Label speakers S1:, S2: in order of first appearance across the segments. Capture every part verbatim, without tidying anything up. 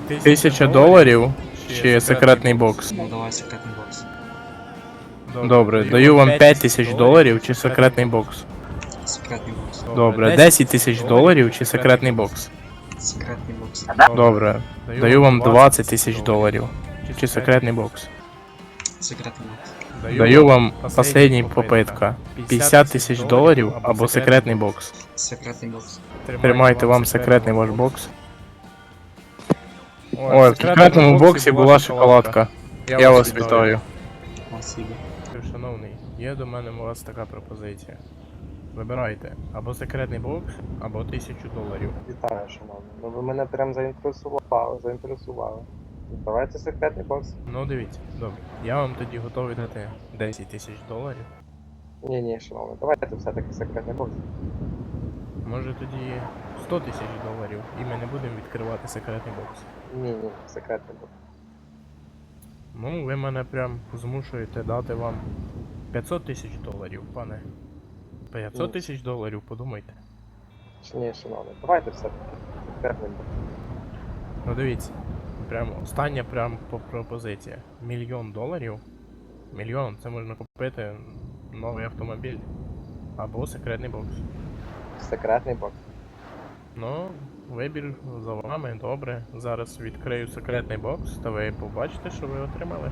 S1: Тисяча доларів чи секретний бокс?
S2: Ну давай секретний бокс.
S1: Добре, даю вам п'ять тисяч доларів чи секретний бокс?
S2: Секретний бокс.
S1: Добре, десять тисяч доларів чи секретний бокс?
S2: Секретний бокс.
S1: Добре, даю вам двадцять тисяч доларів чи секретний бокс?
S2: Секретний бокс.
S1: Даю вам последній попитка. п'ятдесят тисяч доларів або секретний бокс.
S2: Секретний бокс.
S1: Тримайте вам секретний ваш бокс. Ой, в секретному боксі була шоколадка. Я вас вітаю.
S2: Спасибо.
S1: Шановний, є до мене у вас така пропозиція. Вибирайте або секретний бокс, або тисячу доларів.
S3: Вітаю, шановний. Ну ви мене прям заінтересували, заінтересували. Давайте секретний бокс.
S1: Ну дивіться, добре. Я вам тоді готовий дати десять тисяч доларів.
S3: Ні, ні, шановний, давайте все-таки секретний бокс.
S1: Може тоді сто тисяч доларів, і ми не будемо відкривати секретний бокс.
S3: Ні, ні, секретний бокс.
S1: Ну, ви мене прям змушуєте дати вам п'ятсот тисяч доларів, пане. п'ятсот тисяч доларів, подумайте.
S3: Ні, шановний, давайте все-таки секретний бокс.
S1: Ну дивіться, прям остання прям по- пропозиція. Мільйон доларів. Мільйон, це можна купити новий автомобіль. Або секретний бокс.
S3: Секретний бокс.
S1: Ну, вибір за вами, добре. Зараз відкрию секретний бокс, та ви побачите, що ви отримали.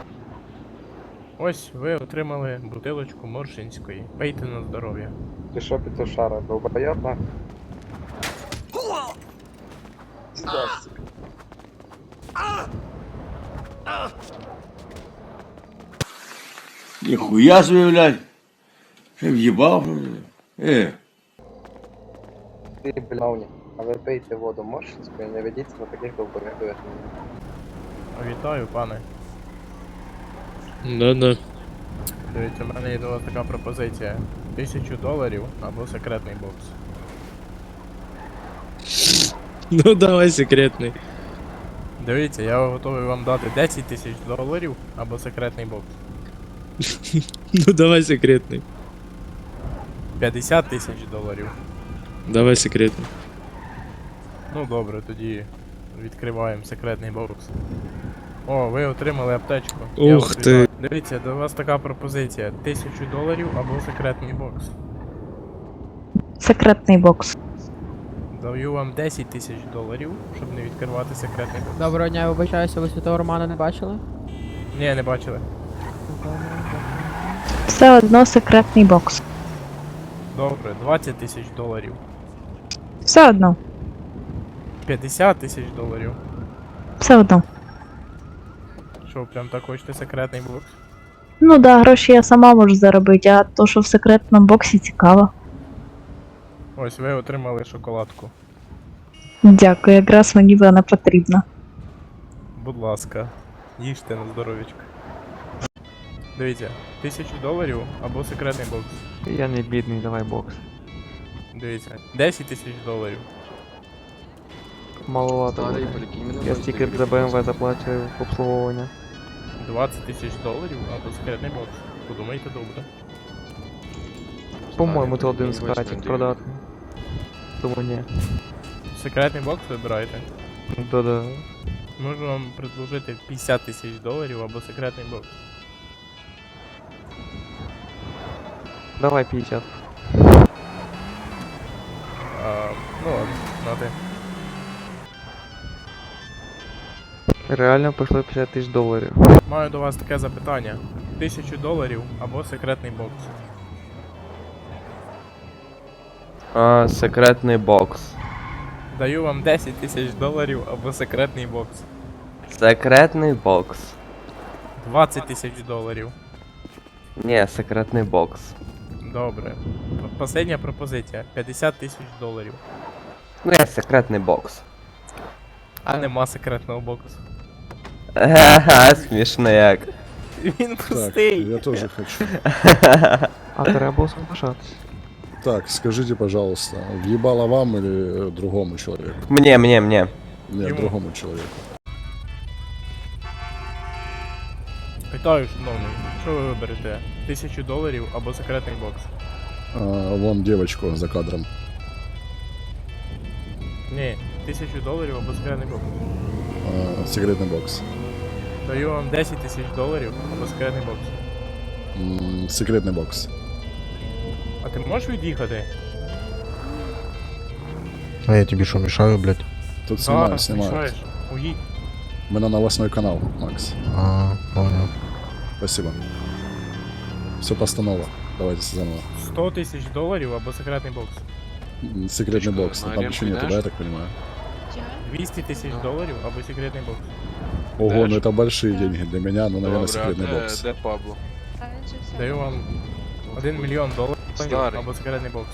S1: Ось, ви отримали бутилочку Моршинської. Пийте на здоров'я.
S3: Ти що, петушара, долбойоб, на? Здравствуйте.
S4: Нихуя себе, блядь. Ты въебал, блядь. Э.
S3: Ти, блявня, а ви пийте воду Моршинську і не ведіться на таких долбойобів, як мене.
S1: Вітаю, пане.
S5: Да-да.
S1: Дивіться, в мене є до вас така пропозиція. Тисячу доларів або секретний бокс.
S5: Ну давай секретный.
S1: Дивіться, я готовий вам дати десять тисяч доларів або секретний бокс.
S5: Ну давай секретный.
S1: п'ятдесят тисяч доларів.
S5: Давай секретный.
S1: Ну добре, тоді відкриваємо секретний бокс. О, ви отримали аптечку. Я
S5: Ух
S1: вас
S5: ти.
S1: вітаю. Дивіться, до вас така пропозиція. Тисячу доларів або секретний бокс.
S6: Секретний бокс.
S1: Даю вам десять тисяч доларів, щоб не відкривати секретний бокс.
S7: Доброго дня, я вибачаюся, ви святого Романа не бачили?
S1: Ні, не бачили.
S6: Все одно секретний бокс.
S1: Добре, двадцять тисяч доларів.
S6: Все одно.
S1: п'ятдесят тисяч доларів.
S6: Все одно.
S1: Що, прям так хочете секретний бокс?
S6: Ну да, гроші я сама можу заробити, а то, що в секретному боксі цікаво.
S1: Ось ви отримали шоколадку.
S6: Дякую, якраз мені вона потрібна.
S1: Будь ласка, їжте на здоров'ячко. Дивіться, тисячу доларів або секретний бокс.
S8: Я не бідний, давай бокс.
S1: Дивіться, десять тисяч доларів.
S8: Маловато. буде. Я стільки за БМВ заплачую в обслуговування.
S1: двадцять тисяч доларів або секретний бокс. Подумайте добре.
S8: По-моєму, це один з кращих продати. Тому ні.
S1: Секретний бокс вибираєте.
S8: Да-да.
S1: Можу вам предложити п'ятдесят тисяч доларів або секретний бокс.
S8: Давай п'ятдесят.
S1: А, ну ладно, нати.
S8: Реально пішло п'ятдесят тисяч доларів.
S1: Маю до вас таке запитання. Тисячу доларів або секретний бокс.
S9: А, секретний бокс.
S1: Даю вам десять тисяч доларів або секретний бокс.
S9: Секретний бокс.
S1: двадцять тисяч доларів.
S9: Ні, секретний бокс.
S1: Добре. П- Последня пропозиція. п'ятдесят тисяч доларів.
S9: Ну, я секретний бокс.
S1: А нема секретного боксу.
S9: Ага, смішно як.
S1: Він пустий.
S10: Я тоже хочу.
S8: А треба було соглашатися.
S10: Так, скажите, пожалуйста, въебало вам или э, другому человеку?
S9: Мне, мне, мне.
S10: Нет,
S1: Ему.
S10: другому человеку.
S1: Питаю, шановний, що ви виберете? Тисячу доларів або секретний бокс?
S10: А, вон девочку за кадром.
S1: Ні, тисячу доларів або секретний бокс.
S10: Э, секретный бокс.
S1: Даю вам десять тисяч доларів або секретний бокс.
S10: М, секретный бокс.
S1: А ти можеш від'їхати?
S11: А я тебе что, мешаю, блядь?
S10: Тут снимают,
S1: Да,
S10: снимают.
S1: мішаєш. Уїдь.
S10: Мы на новостной канал, Макс.
S11: А, понял.
S10: Спасибо. Все постанова. Давайте заново.
S1: сто тисяч доларів або секретний бокс.
S10: М, Секретный бокс. Ну, там еще нету, да, я так понимаю?
S1: двісті тисяч доларів або секретний бокс.
S10: Ого, ну это большие деньги для меня, ну, наверное, секретный бокс.
S8: Де Пабло?
S1: Даю вам один мільйон доларів
S8: Старий.
S1: або секретний бокс.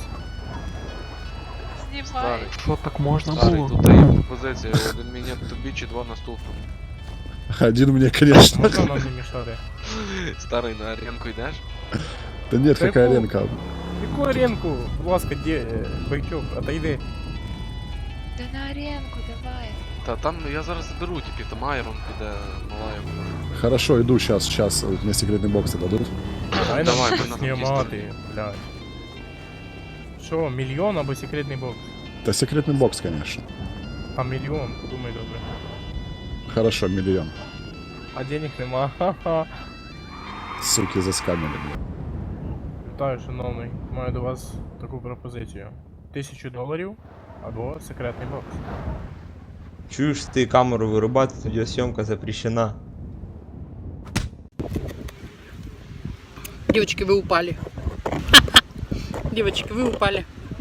S8: Старий.
S7: Що так можна
S8: Старий,
S7: було?
S8: тут є пропозиція. Один мінет тобі чи два наступному.
S10: Один мне, конечно.
S1: Можна нам не мішати?
S8: Старий, на аренку йдеш?
S10: Да нет,
S1: Да
S10: какая
S1: ну.
S10: ренка.
S1: Яку аренку? Будь ласка, де, Бойчук, отойди.
S12: Да на аренку, давай.
S8: Та там я зараз заберу, тільки там Айрон піде, Малаєв.
S10: Хорошо, иду сейчас, сейчас. Мне секретный бокс дадут.
S1: Дай нам
S8: Давай,
S1: щось
S8: ми на
S1: знімати, блядь. Що, мільйон або секретний бокс?
S10: Да секретный бокс, конечно.
S1: А мільйон, подумай добре.
S10: Хорошо, миллион.
S1: А денег нема, ха-ха.
S10: Суки заскамили, блин.
S1: Вітаю, шановний. Маю до вас таку пропозицію. Тисячу доларів або секретний бокс.
S11: Чуешь ты камеру вырубать, видеосъемка запрещена.
S7: Девочки, вы упали. Девочки, вы упали.